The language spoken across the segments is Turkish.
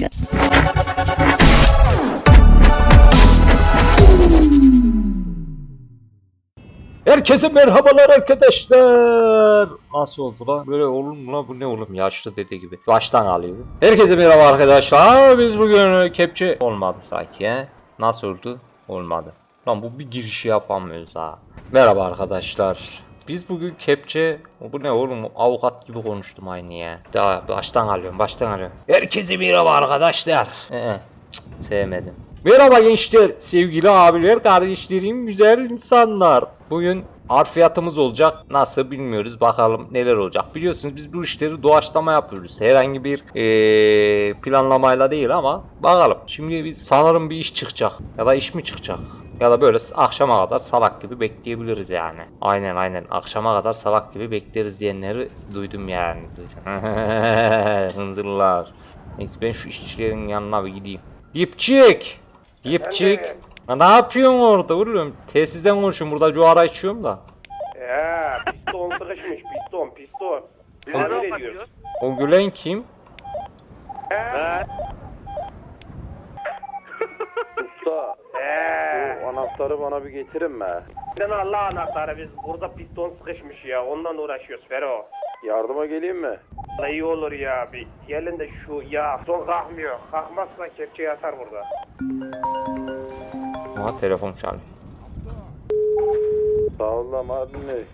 Herkese merhabalar arkadaşlar. Nasıl oldu lan? Böyle olur mu lan? Bu ne oğlum? Yaşlı dede gibi. Baştan alıyorum. Herkese merhaba arkadaşlar. Biz bugün kepçe olmadı sanki he. Nasıl oldu? Olmadı. Lan bu bir girişi yapamıyoruz ha. Merhaba arkadaşlar. Biz bugün kepçe... Bu ne oğlum? Avukat gibi konuştum aynı ya. Daha baştan alıyorum. Herkese merhaba arkadaşlar. Sevmedim. Merhaba gençler, sevgili abiler, kardeşlerim, güzel insanlar. Bugün harfiyatımız olacak. Nasıl bilmiyoruz. Bakalım neler olacak. Biliyorsunuz biz bu işleri doğaçlama yapıyoruz. Herhangi bir planlamayla değil ama bakalım. Şimdi biz sanırım bir iş çıkacak. Ya da iş mi çıkacak? Ya da böyle akşama kadar salak gibi bekleyebiliriz yani. Aynen akşama kadar salak gibi bekleriz diyenleri duydum yani. Hınzırlar. Neyse ben şu işçilerin yanına bir gideyim. Dipçik. Ne yapıyorsun orada oğlum? Telsizden konuşuyorum, burada cuara içiyorum da. Ya piston sıkışmış, piston. Ne diyorsun? O gülen kim? Usta, bu anahtarı bana bir getirin mi? Sen Allah anahtarı, biz burada piston sıkışmış ya, ondan uğraşıyoruz Fero. Yardıma geleyim mi? Vallahi iyi olur ya, bir gelin de şu ya, son kalkmıyor. Kalkmazsa kepçeyi atar burada. Aha telefon çalıyor. Sağ ol lan Mardin Bey.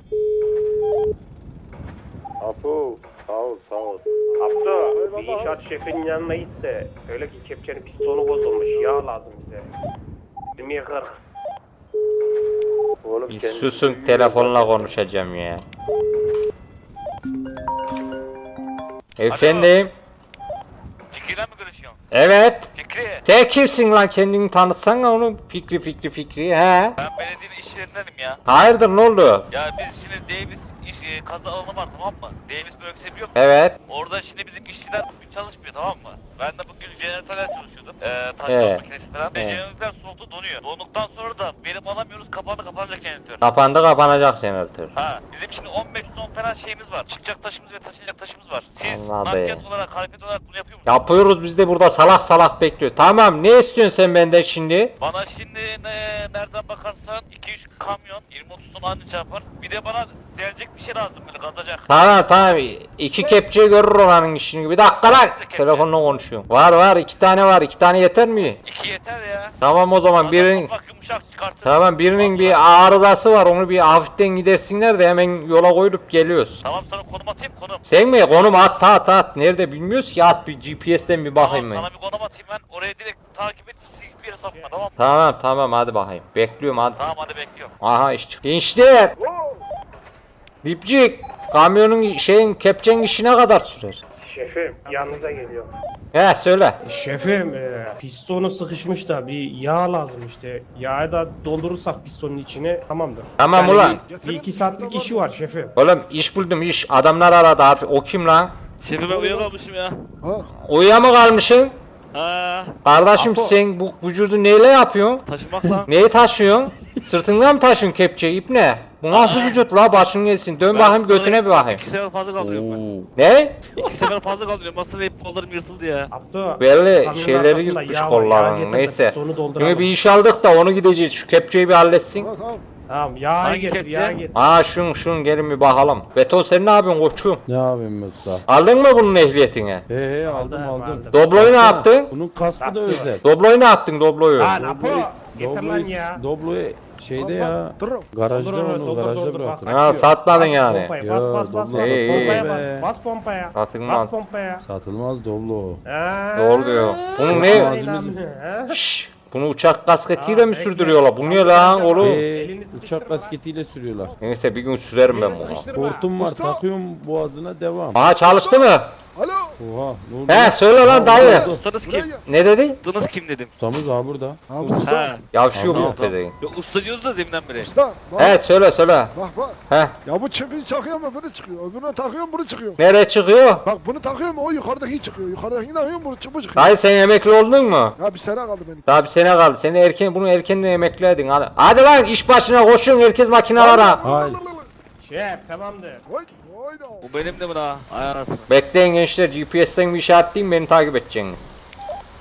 Apo, sağ ol. Abdo, bir inşaat şefinin yanına git de söyle ki kepçenin pistonu bozulmuş, yağ lazım bize. 20-40. Oğlum Bir susun, telefonla konuşacağım ya. Efendim? Fikri'yle mi görüşüyorsun? Evet. Fikri, Sen kimsin lan, kendini tanıtsana onu. Fikri he. ben belediyenin iş yerindenim ya. Hayırdır, ne oldu? Ya biz şimdi Davis kazı alanı var, tamam mı? Davis bölgesi biliyor musun? Evet. Orada şimdi bizim işçiler bugün çalışmıyor, tamam mı? Ben de bugün jeneratörler çalışıyordum. Taşlama makinesi falan. Jeneratörler soğuktu, donuyor. Donduktan sonra da verim alamıyoruz, kapanacak jeneratör. Kapanacak jeneratör. Ha, bizim şimdi 15 ton falan şeyimiz var. Çıkacak taşımız ve taşınacak taşımız var. Siz Anladım. nakliyat olarak, hareket olarak bunu yapıyor musunuz? Yapıyoruz, biz de burada salak bekliyor. Tamam, ne istiyorsun sen benden şimdi? Bana şimdi nereden bakarsan 2-3 kamyon 20-30 ton anca çarpar. Bir de bana delecek bir şey lazım, böyle kazacak. Tamam. İki kepçe görür olanın işini. Bir dakika lan. Telefonla konuşuyorum. Var, iki tane var. 2 tane yeter mi? 2 yeter ya. Tamam o zaman birinin... Bak yumuşak çıkartır. Tamam, birinin bir arızası var. Onu bir hafiften gidersinler de hemen yola koyup geliyoruz. Tamam, sana konum atayım, konum. Sen mi? Konum at. Nerede bilmiyoruz ki, at bir GPS'ten bir bakayım ben. Tamam, sana bir konum atayım ben. Oraya direkt takip et, hiçbir yere sapma, tamam mı? Tamam hadi bakayım. Bekliyorum hadi. Tamam, hadi bekliyorum. Aha iş çık. Gençler. Dipcik. Kamyonun kepçenin işi ne kadar sürer? Şefim, yanınıza geliyor. He söyle. Şefim, pistonu sıkışmış da bir yağ lazım işte. Yağı da doldurursak pistonun içine tamamdır. Tamam ulan. Bir 2 saatlik işi var şefim. Oğlum iş buldum iş. Adamlar aradı abi. O kim lan? Şefim, ben uyuyamamışım ya. Uyuya mı kalmışsın? Ha, Kardeşim sen bu vücudu neyle yapıyorsun? taşımakla. Neyi taşıyorsun? Sırtından mı taşıyorsun kepçeyi, ip ne? Bu nasıl vücut la, başın gelsin. Dön bakayım götüne bir bakayım. 2 sefer fazla kaldırıyorum ben. Ne? 2 sefer fazla kaldırıyorum. Aslında hep kollarım yırtıldı ya. Abdo, Belli kamyonun şeyleri arkasında yutmuş yağ var, yağ kolların. getir de Neyse. pistonu dolduralım. Şimdi bir iş aldık da onu gideceğiz. Şu kepçeyi bir halletsin. Tamam, yağı Hangi getir, kepçe? yağı getir. Aa şun gelin bir bakalım. Beton sen ne yapıyorsun koçum? Ne yapayım usta? Aldın mı bunun ehliyetini? He aldım. Aldım. Dobloyu ne Baksana, yaptın? Bunun kaskı da özel. Dobloyu ne yaptın, dobloyu? Lan Apo, getir lan ya. Dobloyu şeyde ya. Garajda onu garajda bıraktım. Ha, satmadın Bas yani. pompaya, Ya, bas doblo İyi, iyi. pompaya bas, be. bas pompaya. Satılmaz. Bas pompaya. Satılmaz Doblo. Doğru diyor. Bunun ne? ne? Şşş, bunu uçak kasketiyle Aa, mi bekle. sürdürüyorlar? Bu ne lan oğlum? Elini sıkıştırma. Uçak kasketiyle sürüyorlar. Neyse bir gün sürerim ben bunu. Hortum var takıyorum boğazına devam. Aa çalıştı mı? Oha ne oldu? He söyle lan dayı. Ustanız kim? Ne dedi? Ustanız kim dedim. Ustamız abi burada. Ha. Yavşıyor Tamam, bu pezevenk. Ya usta diyoruz da deminden beri. Usta bak, He söyle. bak. He. Ya bu çiftliği takıyor mu bunu çıkıyor. Öbürüne takıyor mu bunu çıkıyor. Nereye çıkıyor? Bak bunu takıyor mu o yukarıdaki çıkıyor. Yukarıdaki takıyor mu bu çıkıyor. Dayı sen emekli oldun mu? Ya bir sene kaldı benim. Daha bir sene kaldı. Bunu erkenden emekli edin. Hadi lan iş başına koşun, herkes makinalara. Hayır. Şef, tamamdır. Vay vay da. Bu benim de mi daha? Ayar. Bekleyin gençler, GPS'ten bir işaretleyeyim, beni takip edeceksiniz.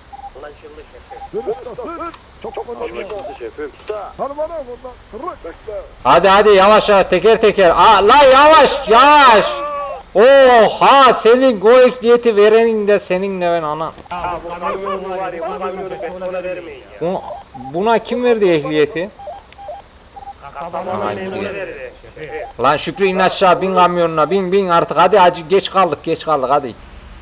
Dur usta dur. Çok konuşma. Anlaşıldı şefim. Usta. Hani bana buradan. Tırık bekle. Hadi yavaş yavaş teker teker. Aa la yavaş. Oha senin o ehliyeti verenin de seninle ben ana. Ha bu kamyonu var ya bu kamyonu betona vermeyin ya. Buna kim verdi ehliyeti? Kasabanın Aman memuru diyor. verdi. Şefi. Lan Şükrü in aşağı bin kamyonuna bin artık hadi acı geç kaldık hadi.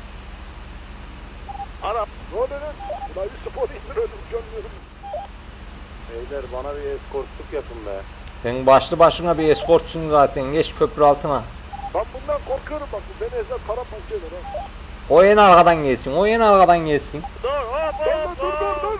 Ne oluyor lan? Ulan bir spor indiriyordum görmüyorum. Beyler bana bir eskortluk yapın be. Sen başlı başına bir eskortsun zaten geç köprü altına. Ben bundan korkuyorum bak. Bu beni ezer paramparça eder ha. O en arkadan gelsin Dur hop hop dur.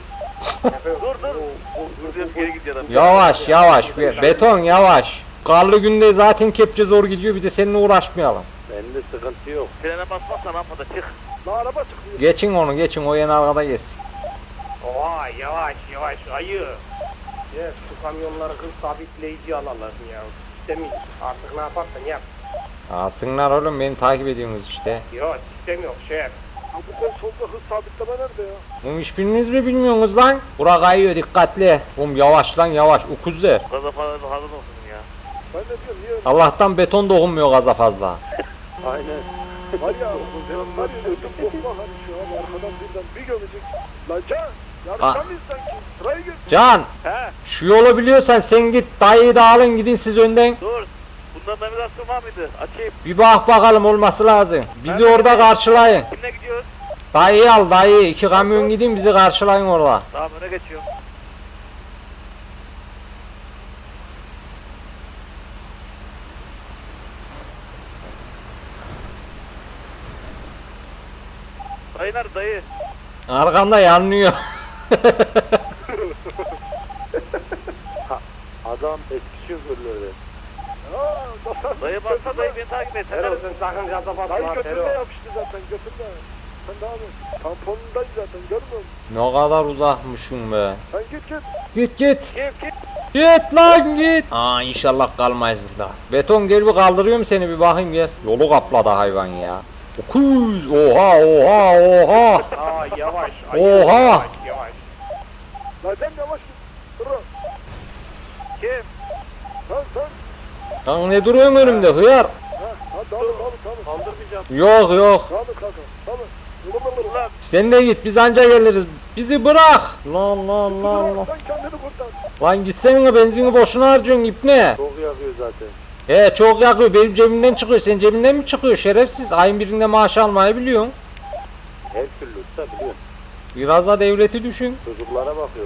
Dur geri git ya da. Yavaş beton yavaş. Karlı günde zaten kepçe zor gidiyor bir de seninle uğraşmayalım. Bende sıkıntı yok. Frene basmazsan rampada çık. La araba çıkıyor. Geçin o en arkada geçsin. Oha yavaş ayı. Ya şu kamyonları hız sabitleyici alalım ya. Sistemi artık ne yaparsan yap. Alsınlar oğlum beni takip ediyorsunuz işte. Yok sistem yok şef. Abi sen solda hız sabitleme nerede ya? Oğlum hiçbiriniz mi bilmiyorsunuz lan? Bura kayıyor dikkatli. Oğlum yavaş ukuzlar. Gaza falan hazır olsun ya. Ben de diyorum niye? Allah'tan beton dokunmuyor gaza fazla. Aynen. Var ya benim var ya ödüm bokma hani şu an arkadan birden bir gömecek. Lan Can! Yarıştan mıyız sanki? Sıraya gir. Can He şu yolu biliyorsan sen git dayıyı da alın gidin siz önden. dur. Bundan navigasyon var mıydı? Açayım. Bir bak bakalım olması lazım. Bizi orada karşılayın. Kimle gidiyoruz? Dayıyı al dayı 2 kamyon gidin bizi karşılayın orada. Tamam öne geçiyorum. Dayı nerede dayı? Arkanda yanlıyor. Adam eski şoförleri. Haa basar. Dayı baksa dayı beni takip et. Fero sen sakın gaza basma Dayı ha, götünde Fero. yapıştı zaten götünde. Sen devam et. Tamponundayız zaten görmüyor musun? Ne kadar uzakmışım be. Sen git. Git. Git. Git lan git. Aa inşallah kalmayız burada. Beton gel bir kaldırıyorum seni bir bakayım gel. Yolu kapladı hayvan ya. Okuz. Oha. Aa yavaş ayı. Oha. Yavaş. Lan sen yavaş git. Dur. Kim? Sen. Lan ne duruyorsun önümde hıyar? Ha tamam. Kaldırmayacağım. Yok. Tamam kanka. Tamam. Ulan Sen de git biz anca geliriz. Bizi bırak. Lan. Sen kendini kurtar. Lan gitsene benzini boşuna harcıyorsun ipne. Çok yakıyor zaten. Çok yakıyor benim cebimden çıkıyor. Senin cebinden mi çıkıyor şerefsiz? Ayın birinde maaş almayı biliyorsun. Her türlü usta biliyorsun. Biraz da devleti düşün. Çocuklara bakıyor.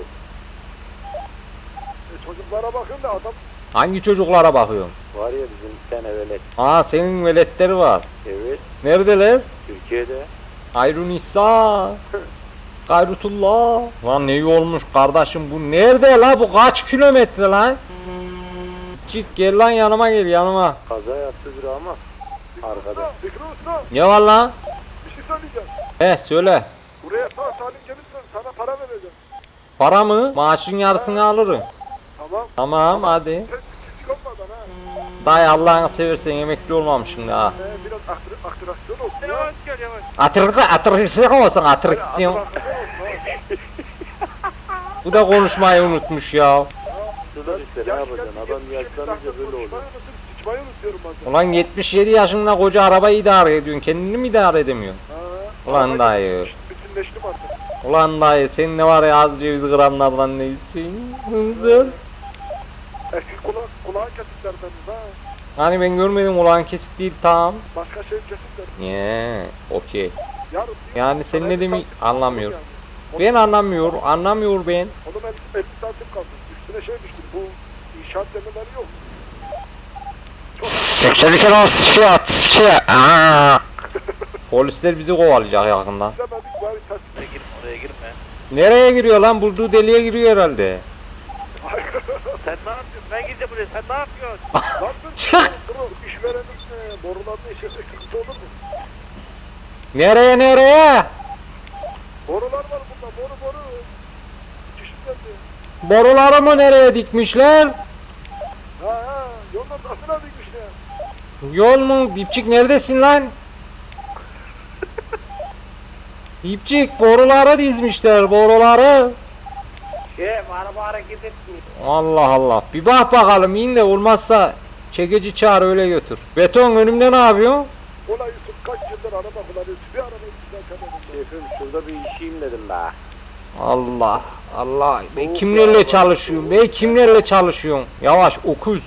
Çocuklara bakın da adam. Hangi çocuklara bakıyorsun? Var ya bizim bir tane velet. Aa senin veletleri var. Evet. Neredeler? Türkiye'de. Hayrunisa. Gayrutullah. Lan ne iyi olmuş kardeşim bu nerede la bu kaç kilometre lan? Git gel lan yanıma gel yanıma. Kaza yaptı biri ama. Arkada. Fikri usta. Ne var lan? Bir şey söyleyeceğim. Söyle. Buraya sağ salim gelirsen sana para vereceğim. Para mı? Maaşın yarısını alırım. Tamam. Tamam hadi. Sen küçük olmadan ha. Dayı Allah'ını seversen emekli olmamışsın ha. Biraz aktrasyon olsun ya. yavaş gel yavaş. Atraksiyon olsun atraksiyon. Aktrasyon olsun ha. Bu da konuşmayı unutmuş ya. Şurada işte ne yapacaksın? Adam yaşlanınca böyle olur. Sıçmayı unutuyorum bazen. Ulan 77 yaşında koca arabayı idare ediyorsun. Kendini mi idare edemiyorsun? Ha. Ulan dayı. Bütünleştim artık. Ulan dayı sen ne var ya az ceviz gramlardan neysin? Hınzır. Eski kulağın kesikler benim ha. Hani ben görmedim ulan kesik değil tamam. Başka şey kesikler. Okey. Yarın. Yani sen ne demek anlamıyor. Ben anlamıyor ben. Oğlum 50 santim kaldı. Üstüne şey düştü. Bu inşaat demirleri yok. 82 Polisler bizi kovalayacak yakında. Demedik bari ters. Oraya girme oraya girme. Nereye giriyor lan? Bulduğu deliğe giriyor herhalde. Sen ne yapıyorsun? Ben gideceğim buraya. Sen ne yapıyorsun? Lan dur. İşverenin borularını işlesek sıkıntı olur mu? Nereye? Borular var burada. Boru. Çeşit geldi. Boruları mı nereye dikmişler? Ha. Yolun ortasına dikmişler. Yol mu? Dipçik neredesin lan? Dipçik boruları dizmişler boruları. Şef araba hareket etmiyor. Allah Allah. Bir bak bakalım in de olmazsa çekici çağır öyle götür. Beton önümde ne yapıyorsun? Ulan Yusuf kaç yıldır araba kullanıyorsun. Bir arabayı düzeltemedin. Şefim şurada bir işeyim dedim be. Allah Allah. Ben kimlerle çalışıyorum? Ben kimlerle çalışıyorum? Yavaş okuz.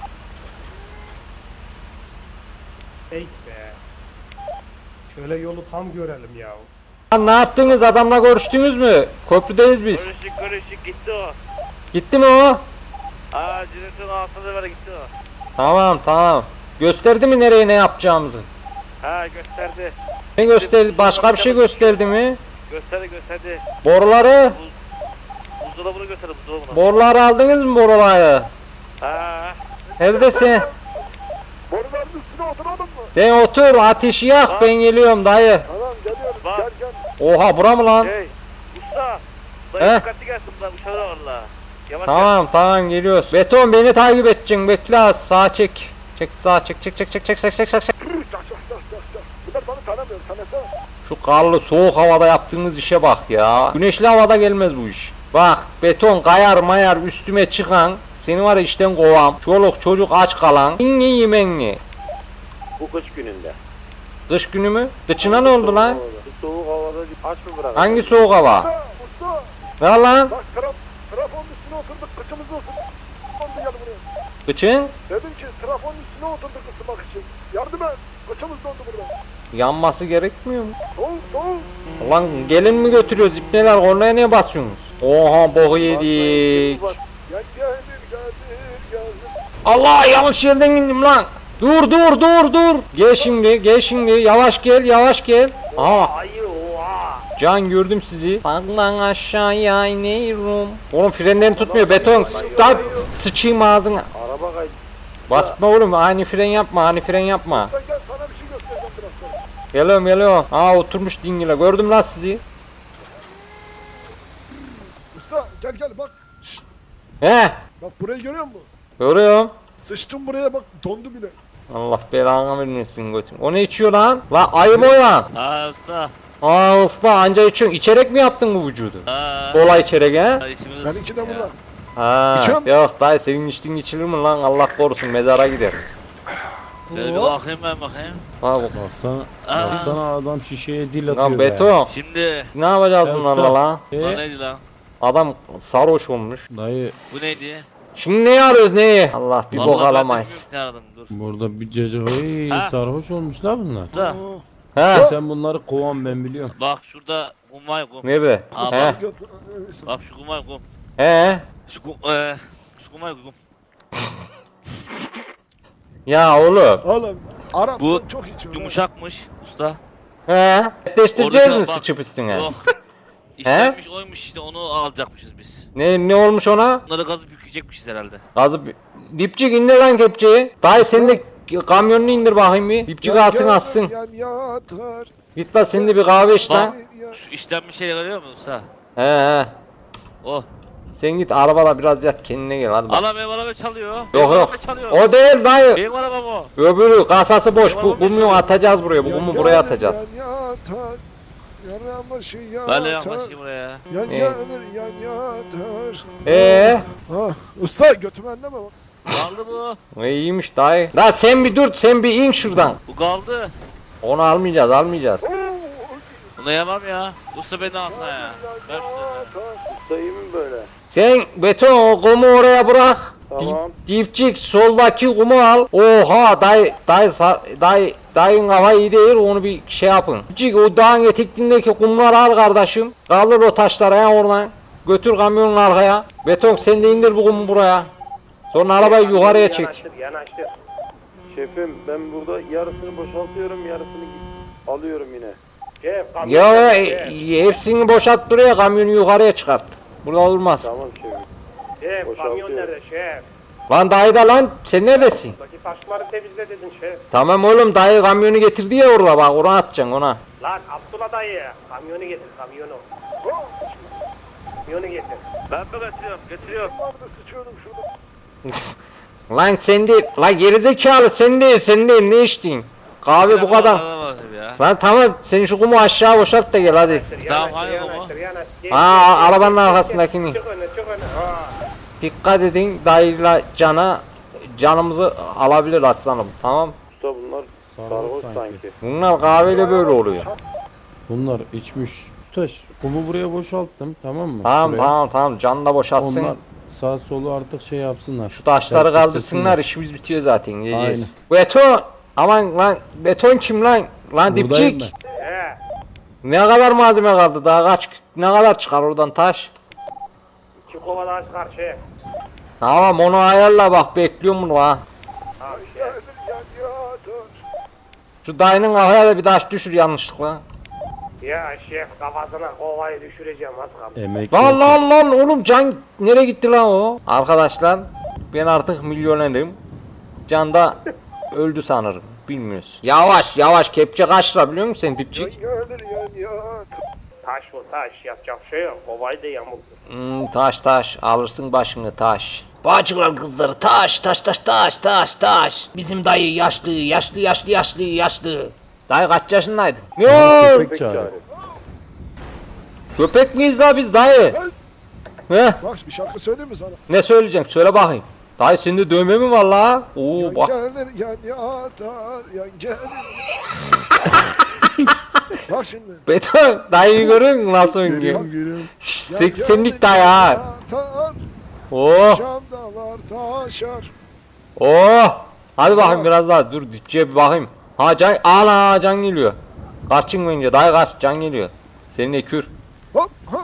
Ey be. Şöyle yolu tam görelim ya. Lan ne yaptınız? Adamla görüştünüz mü? Köprüdeyiz biz. Görüştük gitti o. Gitti mi o? Jeneratörün altında böyle gitti o. Tamam. Gösterdi mi nereye ne yapacağımızı? Gösterdi. Ne gösterdi? Başka bir şey gösterdi mi? Gösterdi. Boruları? Buzdolabını gösterdi buzdolabını. Boruları aldınız mı boruları? Neredesin? Boruların üstüne oturalım mı? Sen otur ateşi yak ben geliyorum dayı. Tamam geliyoruz. Bak. Gel. Oha bura mı lan? Usta. He? Dayı dikkatli gelsin bunlar uçağı da valla. Yavaş Tamam geliyoruz. Beton beni takip edeceksin bekle az sağa çek. Sağa çek. Çak. Bunlar bana tanımıyor. Tanısa. Şu karlı soğuk havada yaptığınız işe bak ya. Güneşli havada gelmez bu iş. Bak beton kayar mayar üstüme çıkan. Seni var ya işten kovam. Çoluk çocuk aç kalan. İnni yemenli. Bu kış gününde. Kış günü mü? Kıçına ne oldu lan? Bu soğuk havada aç mı bırak? Hangi soğuk hava? Usta. Ne lan? Bak trafonun üstüne oturduk. Kıçımızı oturduk. Oldu gel buraya. Kıçın? Dedim ki trafonun üstüne oturduk ısınmak için. Yardım et. Kıçımız dondu burada. Yanması gerekmiyor mu? Soğuk. Lan gelin mi götürüyoruz ipneler oraya niye basıyorsunuz? Oha boku yedik. Gel. Allah yanlış yerden indim lan. Dur. Gel şimdi yavaş gel. Aha Ayı oha. can gördüm sizi. Saklan aşağıya iniyorum. Oğlum frenlerini tutmuyor beton. Sıçayım ağzına. Araba kaydı. Basma oğlum ani fren yapma. Gel sana bir şey göstereceğim biraz sonra. Geliyorum. Aa oturmuş dingile gördüm lan sizi. Usta gel bak. He Bak burayı görüyor musun? görüyorum. Sıçtım buraya bak dondu bile. Allah belanı vermesin götün. O ne içiyor lan? Lan ayı mı o lan? usta. Aa usta anca içiyorsun. İçerek mi yaptın bu vücudu? Kola içerek he? İşimiz. Benimki de burada. Ha, İçiyorum. yok dayı senin içtiğin içilir mi lan Allah korusun mezara gider. Şöyle bir bakayım ben bakayım. Ha bu. Baksana adam şişeye dil atıyor Lan be. beton. Şimdi. Ne yapacağız Ya bunlarla usta. lan? Bu neydi lan? Adam sarhoş olmuş. Dayı Bu neydi? Şimdi neyi arıyoruz neyi? Allah bir bok Vallahi ben de alamayız. bilmiyorum, ne aradım dur. burada bir cacık Ha? sarhoş olmuşlar bunlar. Da. He? Sen bunları kovan ben biliyorum. Bak şurada kum var kum. Nerede? Aa, He? Bak şu kum var kum. He? Şu kum var kum. Ya oğlum. Oğlum Arap Bu sen çok içiyorsun. Yumuşakmış usta. He? Netleştireceğiz Orada mi bak- sıçıp üstüne? Yok. İşlenmiş oymuş işte onu alacakmışız biz. Ne olmuş ona? Bunları gazı yükleyecekmişiz herhalde. Gazı dipçik indir lan kepçeyi. Dayı sen de kamyonunu indir bakayım bir. Dipçik alsın atsın. Yan yatar. Git lan sen de bir kahve iç lan. Şu işlenmiş şey görüyor musun usta? He. O. Sen git arabala biraz yat kendine gel hadi bak. Ala benim araba çalıyor. Yok Benim yok. araba çalıyor. O değil dayı. Benim arabam o. Öbürü kasası boş. Bu Eyvallah, kumu çalıyor. atacağız buraya. Bu kumu buraya atacağız. Yan yatar. Yaramışı Ben de yatar. yaklaşayım buraya. Yan Ne? yanır yan yatar. Ah, usta götümü elleme bak. Kaldı bu. İyiymiş dayı. La sen bir dur sen bir in şuradan. Bu kaldı. Onu almayacağız. Bunu yemem ya. Usta beni alsana ya. Ver şunu. Usta iyi mi böyle? Sen beton o kumu oraya bırak. Tamam. Dipçik soldaki kumu al. Oha dayın kafa iyi değil onu bir şey yapın. Dipçik o dağın etekliğindeki kumları al kardeşim. Kaldır o taşları ya oradan. Götür kamyonun arkaya. Beton sen de indir bu kumu buraya. Sonra arabayı yukarıya çek. Yanaştır. Şefim ben burada yarısını boşaltıyorum yarısını alıyorum yine. Şef kamyon. Ya Şef. hepsini boşalt buraya kamyonu yukarıya çıkart. Burada olmaz. Tamam şefim. Şef Boşaltıyorum. kamyon nerede şef? Lan dayı da lan sen neredesin? Buradaki taşları temizle dedin şef. Tamam oğlum dayı kamyonu getirdi ya orada bak ona atacaksın ona. Lan Abdullah dayı kamyonu getir kamyonu. Kamyonu getir. Ben mi getiriyorum? Vardı sıçıyorum şurada. Lan sen değil, lan gerizekalı sen değil ne içtin? Kahve bu kadar. Ya. Lan tamam sen şu kumu aşağı boşalt da gel hadi. Tamam, hayır baba. Yanaştır. Ha arabanın arkasındakini. Çık öne çık Dikkat edin dayıyla canımızı alabilir aslanım. Tamam. Usta bunlar sarhoş sanki. Bunlar kahveyle böyle oluyor. Bunlar içmiş. Usta kumu buraya boşalttım, tamam mı? Tamam Şuraya. tamam canı da boşaltsın. Onlar sağ solu artık şey yapsınlar. Şu taşları Serpiştirsinler. kaldırsınlar, işimiz bitiyor zaten. Yiyeceğiz. Aynen. Beton! Aman lan beton kim lan? Lan Buradayım dipçik! He. Ne kadar malzeme kaldı daha ne kadar çıkar oradan taş? 2 kova daha çıkar şef. Tamam onu ayarla bak bekliyorum bunu ha. Tamam şef. Yanıyor. Şu dayının kafaya da bir taş düşür yanlışlıkla. Ya şef kafasına kovayı düşüreceğim az kaldı. Emek Lan olsun. lan oğlum Can nereye gitti lan o? Arkadaşlar ben artık milyonerim. Can da öldü sanırım. Bilmiyoruz. Yavaş kepçe kaç lira biliyor musun sen dipçik? Yanıyor. Taş bu taş yapacak şey yok. Kovayı da yamuldu. Taş alırsın başını taş. Bacılar kızları taş. Bizim dayı yaşlı. Dayı kaç yaşındaydın? Yok. Köpek çağırıyor. Köpek miyiz la biz dayı? He? Bak bir şarkı söyleyeyim mi sana? Ne söyleyeceksin? Söyle bakayım. Dayı sende dövme mi var la? Oo bak. Gelir yan yatar yan gelir. Bak şimdi. Beton dayıyı görüyor musun nasıl oynuyor? Görüyorum görüyorum. 80'lik dayı ha. Yatar, Oh Şamdalar taşar. oh. Hadi bakayım biraz daha dur dipçiye bir bakayım. Ha can ana can geliyor. Kaçın bence dayı kaç can geliyor. Senin ekür. Hop hop.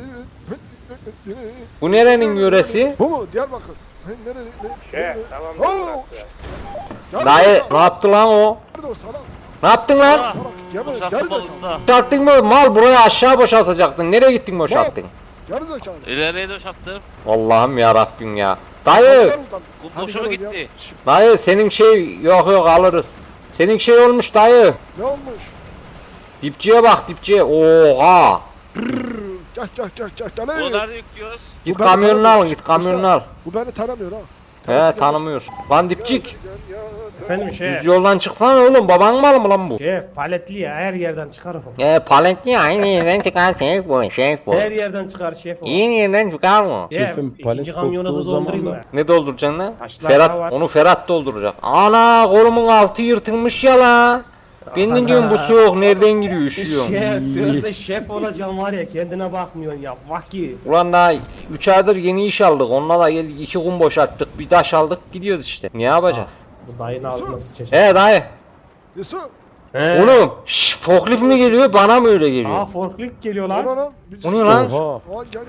Bu nerenin yöresi? Bu mu? Diyarbakır. Nerede? Şef tamam. Oo. Dayı ne yaptı lan o? Nerede o salak? Ne yaptın lan? Salak. Gel buraya. Boşaltma Gerizekalı. usta. Boşalttın mı? Mal buraya aşağı boşaltacaktın. Nereye gittin boşalttın? Gerizekalı. İleriye boşalttım. Allah'ım ya Rabbim ya. Dayı, Kum boşa mı gitti? dayı senin şey yok alırız. Senin şey olmuş dayı. Ne olmuş? Dipçiye bak dipçiye. Oha. Gel. Bunu nerede yüklüyoruz? Git Ben kamyonunu al, tanımıyorum. git kamyonunu al. Bu beni tanımıyor ha. He tanımıyor. Lan dipçik. Efendim şef. Düz yoldan çıksana oğlum. Baban malı mı lan bu? Şef paletli ya her yerden çıkar o. Palentli aynı yerden çıkar şey bu. Her yerden çıkar şef o. İyi yerden çıkar mı? Şef Şefim, palet ikinci kamyonu koktuğu da doldurayım zaman mı? Ne dolduracaksın lan? Taşlar daha var. Ferhat, onu Ferhat dolduracak. Ana kolumun altı yırtılmış ya la. Ben de diyorum bu soğuk nereden giriyor üşüyorum. Şef sözde şef olacağım var ya kendine bakmıyorsun ya vaki. Ulan daha 3 aydır yeni iş aldık. Onunla da geldik 2 kum boşalttık. Bir taş aldık gidiyoruz işte. Ne yapacağız? Bu dayının ağzına sıçacak. He dayı. Yusuf. He. Oğlum şşş forklift mi geliyor bana mı öyle Aa geliyor? forklift geliyor Lan lan. lan. O ne lan? Oha. Aa gel.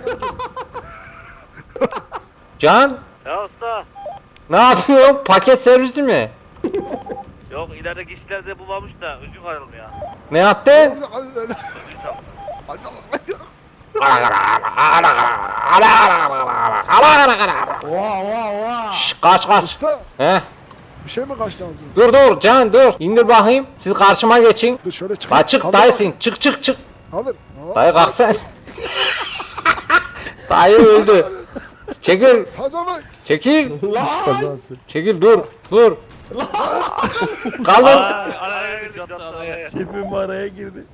Can Ya usta. ne yapıyorsun? Paket servisi mi? Yok ilerideki işlerde bu varmış da öcü ayrılmıyor. Ne yaptı? Oha. Şşş kaç. Usta He? bir şey mi kaçtı ağzına? Dur Can dur. İndir bakayım. Siz karşıma geçin. Dur şöyle çık. La çık dayısın. Çık. Kaldır. Dayı kalksana. Dayı öldü. Çekil. Hazır. Çekil. Kazası. Çekil dur. Kaldır. Araya yattı araya. Şefim araya girdi.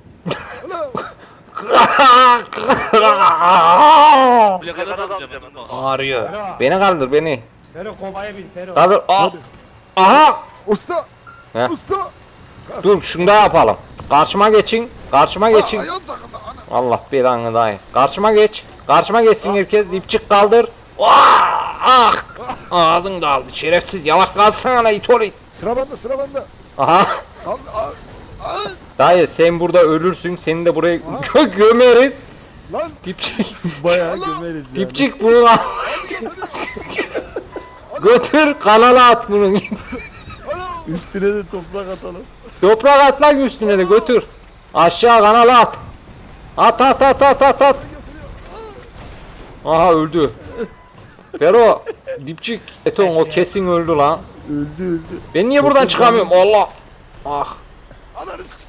Plakada da alacağım ben de. Ağrıyor. Beni kaldır beni. Fero kovaya bin Fero. Kaldır. Aha. Usta. He. Usta. Dur şunu da yapalım. Karşıma geçin. Ayağım takıldı. Ana. Allah belanı dayı. Karşıma geçsin herkes. Dipçik kaldır. Ah! Ağzın daldı şerefsiz. Yavaş kalsana lan it olayım. Sıra bende. Aha. Kaldır. Dayı sen burada ölürsün. Seni de buraya gömeriz. Lan. Dipçik. Bayağı gömeriz yani. Dipçik bunu al. Götür kanala at bunu. Üstüne de toprak atalım. Toprak at lan üstüne de götür. Aşağı kanala at. At. Aha öldü. Fero dipçik. Beton o kesin öldü lan. Öldü. Ben niye buradan çıkamıyorum Allah. Ah. Ananı sik.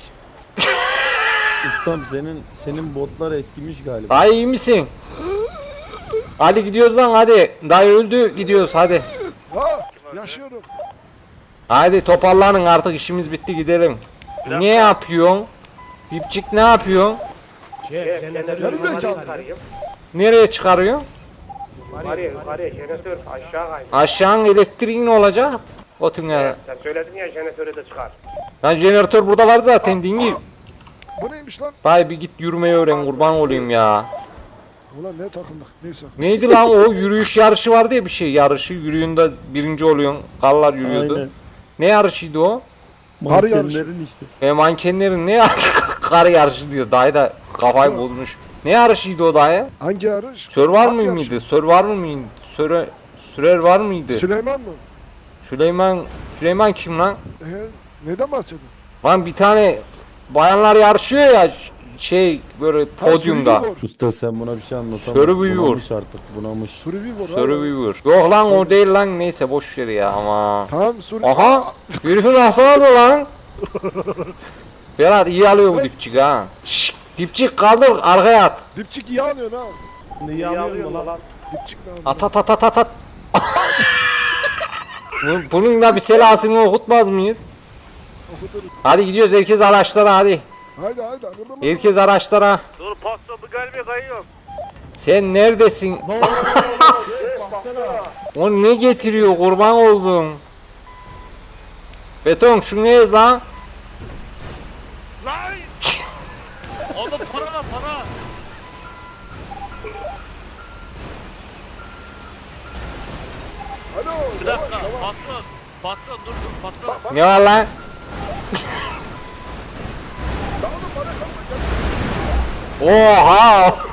Ustam senin botlar eskimiş galiba. Dayı iyi misin? Hadi gidiyoruz lan hadi. Dayı öldü gidiyoruz hadi. Ha yaşıyorum. Hadi toparlanın artık işimiz bitti gidelim. Ne yapıyorsun? Dipçik ne yapıyorsun? Şef jeneratörü Gerizekalı. yola çıkarayım. Nereye çıkarıyorsun? Yukarıya jeneratör aşağı kaydı. Aşağının elektriği ne olacak? O tünel. Sen söyledin ya jeneratörü de çıkar. Lan jeneratör burada var zaten dingi. Bu neymiş lan? Dayı bir git yürümeyi öğren kurban olayım ya. Ulan ne takıldık neyse. Neydi lan o yürüyüş yarışı vardı ya bir şey yarışı yürüyünde birinci oluyorsun. Karlar yürüyordu. Aynen. Ne yarışıydı o? Kar yarışı. Mankenlerin işte. Mankenlerin ne kar yarışı diyor. Dayı da kafayı bozmuş. Ne yarışıydı o dayı? Hangi yarış? Survivor At yarışı. mıydı? Survivor mıydı? Sürer var mıydı? Süleyman mı? Süleyman kim lan? Neden bahsediyorsun? Lan bir tane bayanlar yarışıyor ya şey böyle podyumda. Survivor. Usta sen buna bir şey anlatamam. Survivor. Bunamış artık bunamış. Survivor. Survivor. Yok lan o değil lan neyse boş ver ya ama. Tamam Survivor. Aha! Herifi nasıl alıyor lan? Berat iyi alıyor bu dipçik ha. Şşş! Dipçik kaldır arkaya at. Dipçik iyi alıyorsun ha. Ne alıyorsun lan? Dipçik ne alıyorsun? At at at at at at. Bunun da bir selasını okutmaz mıyız? Okuturuz. Hadi gidiyoruz herkes araçlara hadi. Haydi. Herkes araçlara. Dur patron bu gelmiyor kayıyor. Sen neredesin? O ne getiriyor kurban oldum. Beton şunu ez lan. Lan! Oğlum para lan para! Alo. Bir dakika patron. Patron dur patron. Ne var lan? Oha!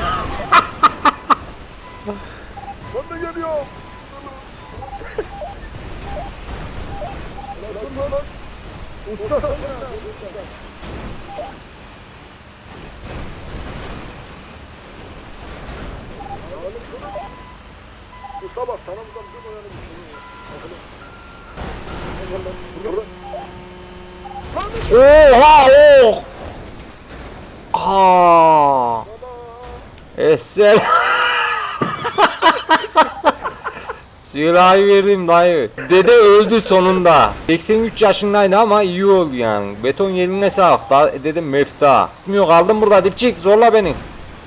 Ben de geliyorum. Usta. Usta bak sana buradan bir oyanı Oha! Oh! Aa! Eser. Silahı verdim dayı. Dede öldü sonunda. 83 yaşındaydı ama iyi oldu yani. Beton yerine sağlık. Dedim mefta. Gitmiyor kaldım burada dipçik zorla beni.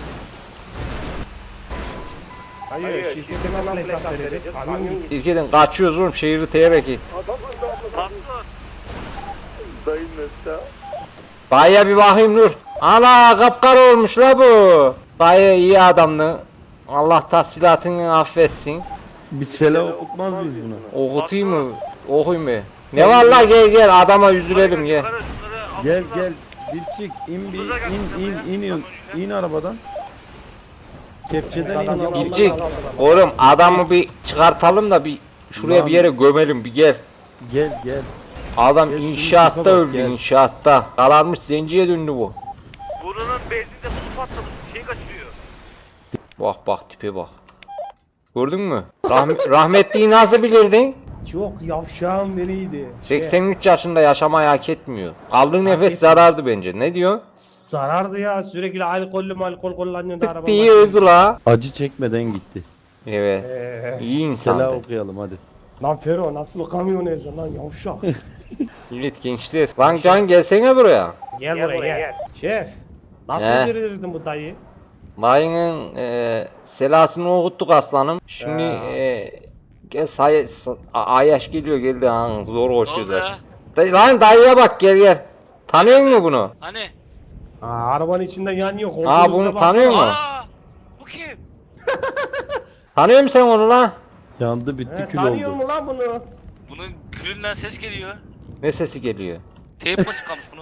Hayır, şirkete nasıl hesap vereceğiz? Kamyon gitti. Şirketten kaçıyoruz oğlum şehri teyerek. Patron. Dayın Mesut. Dayıya bir bakayım dur. Ana kapkara olmuş la bu. Dayı iyi adamdı. Allah tahsilatını affetsin. Bir selam okutmaz mıyız buna? Okutayım mı? Okuyayım mı? Ne var la gel adama üzülelim gel. Yukarı şunları Gel altından- gel dipçik in bir in arabadan. Kepçeden in. Dipçik. Oğlum adamı bir çıkartalım da bir şuraya bir yere gömelim bir gel. Gel. Adam Gel, şunun inşaatta tipe bak, öldü gel. inşaatta. Kararmış zenciye döndü bu. Bunun benzinde buz patlamış. Şey kaçırıyor. Bak tipe bak. Gördün mü? Rahmetliyi nasıl bilirdin? Çok yavşağım nereydi? 83 yaşında yaşamayı hak etmiyor. Aldığı nefes zarardı bence. Ne diyor? Sarardı ya sürekli alkol kullanıyordu araba. Tık diye öldü la. Acı çekmeden gitti. Evet. İyi Selam insandı. okuyalım hadi. Lan Fero nasıl kamyon eziyor lan yavşak. Evet gençler. Lan Can gelsene buraya. Gel buraya gel. Şef. Nasıl He. verirdin bu dayı? Dayının selasını okuttuk aslanım. Şimdi gel Ayaş geliyor geldi ha zor Ne oldu koşuyorlar. ya? Lan dayıya bak gel. Tanıyor musun bunu? Hani? Arabanın içinde yanıyor. Aa bunu tanıyor musun? Aa! Bu kim? Tanıyor musun sen onu lan? Yandı bitti kül Tanıyor oldu. mu lan bunu? Bunun külünden ses geliyor. Ne sesi geliyor? Teyp mi çıkarmış bunu?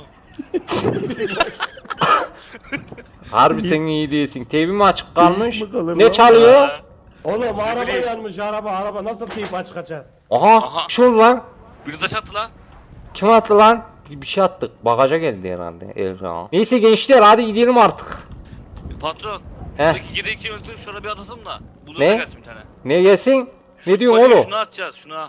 Harbi sen iyi değilsin. TV mi açık kalmış? mi kalır Ne lan? çalıyor? Oğlum araba yanmış araba nasıl teyip açık açar? Aha, Aha. şu lan. Bir taş attı lan. Kim attı lan? Bir şey attık. Bagaja geldi herhalde. Elra. Neyse gençler hadi gidelim artık. Patron. He. Şuradaki gideği öldürüp şuna bir atasın da. Bu da Ne? gelsin bir tane. Ne gelsin? Şu Ne diyorsun kolyeyi oğlum? Şuna atacağız şuna.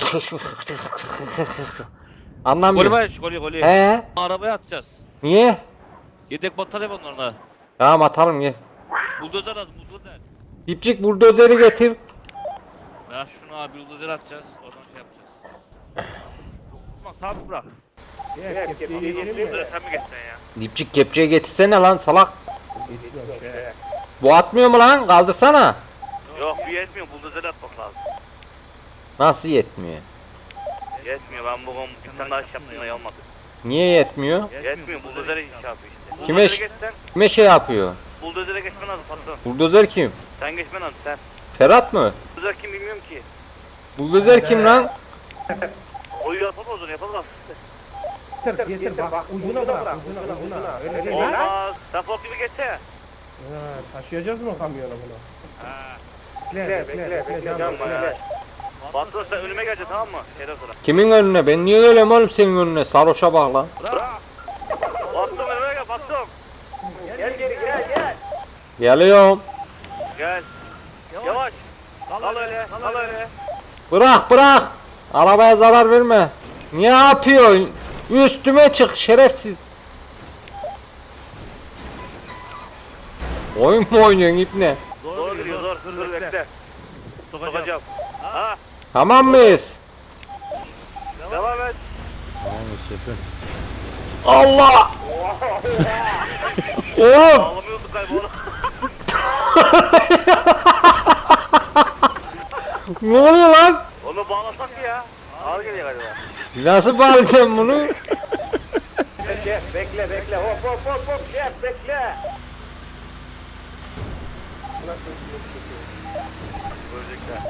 Anlamıyorum. Kolye var şu kolye. He? Arabaya atacağız. Niye? Yedek batarya var orada. Tamam atalım gel. Buldozer az buldozer. Dipçik buldozeri getir. Ya şunu abi buldozer atacağız. Oradan şey yapacağız. Osman sabit bırak. Gel kepçeyi yiyelim mi? Buldozer sen mi geçsen ya? Dipçik kepçeye getirsene lan salak. Bu atmıyor mu lan? Kaldırsana. Yok Gücü yetmiyor, buldozer atmak lazım. Nasıl yetmiyor? Yetmiyor, ben bugün bir tane daha iş yaptım da olmadı. Niye yetmiyor? Yetmiyor, buldozere iş yapıyor işte. Kime Buldozere geçsen, Kime şey yapıyor? buldozere geçmen lazım patron. Buldozer kim? Sen geçmen lazım sen. Ferhat mı? Buldozer kim bilmiyorum ki. Buldozer kim lan? O yapalım o zaman yapalım. Getir bak ucuna bırak ucuna. Öyle değil lan. Olmaz. Sen fok gibi geçsene. Ha, taşıyacağız mı kamyona bunu? Ha. Bekle. Yapma ya. Patron sen önüme geleceksin tamam mı? Şeyden sonra. Kimin önüne? Ben niye geleyim oğlum senin önüne? Sarhoşa bak lan. Patron önüme gel patron. Gel. Geliyorum. Gel. Yavaş. Kal öyle. Bırak. Arabaya zarar verme. Ne yapıyorsun? Üstüme çık şerefsiz. Oyun mu oynuyorsun ipne? Zor gidiyor zor. Dur bekle. Sokacağım. Ha. Tamam mıyız? Devam et. Tamam şefim. Allah! Oğlum! Ağlamıyorduk galiba onu. Ne oluyor lan? Onu bağlasak ya. Ağır geliyor galiba. Nasıl bağlayacağım bunu? Bekle. Hop. Şef bekle. Görecekler.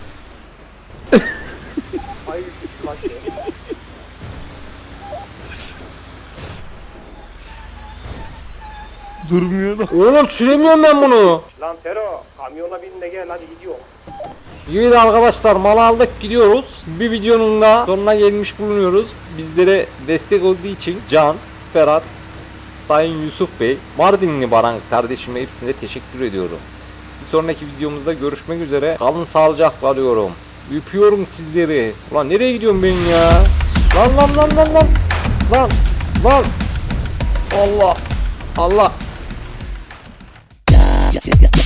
Durmuyor da. Oğlum süremiyorum ben bunu. Lan Fero kamyona bin de gel hadi gidiyor. Evet arkadaşlar mal aldık gidiyoruz. Bir videonun da sonuna gelmiş bulunuyoruz. Bizlere destek olduğu için Can, Ferhat, Sayın Yusuf Bey, Mardinli Baran kardeşime hepsine teşekkür ediyorum. Bir sonraki videomuzda görüşmek üzere. Kalın sağlıcakla diyorum. Öpüyorum sizleri. Ulan nereye gidiyorum ben ya? Lan. Allah.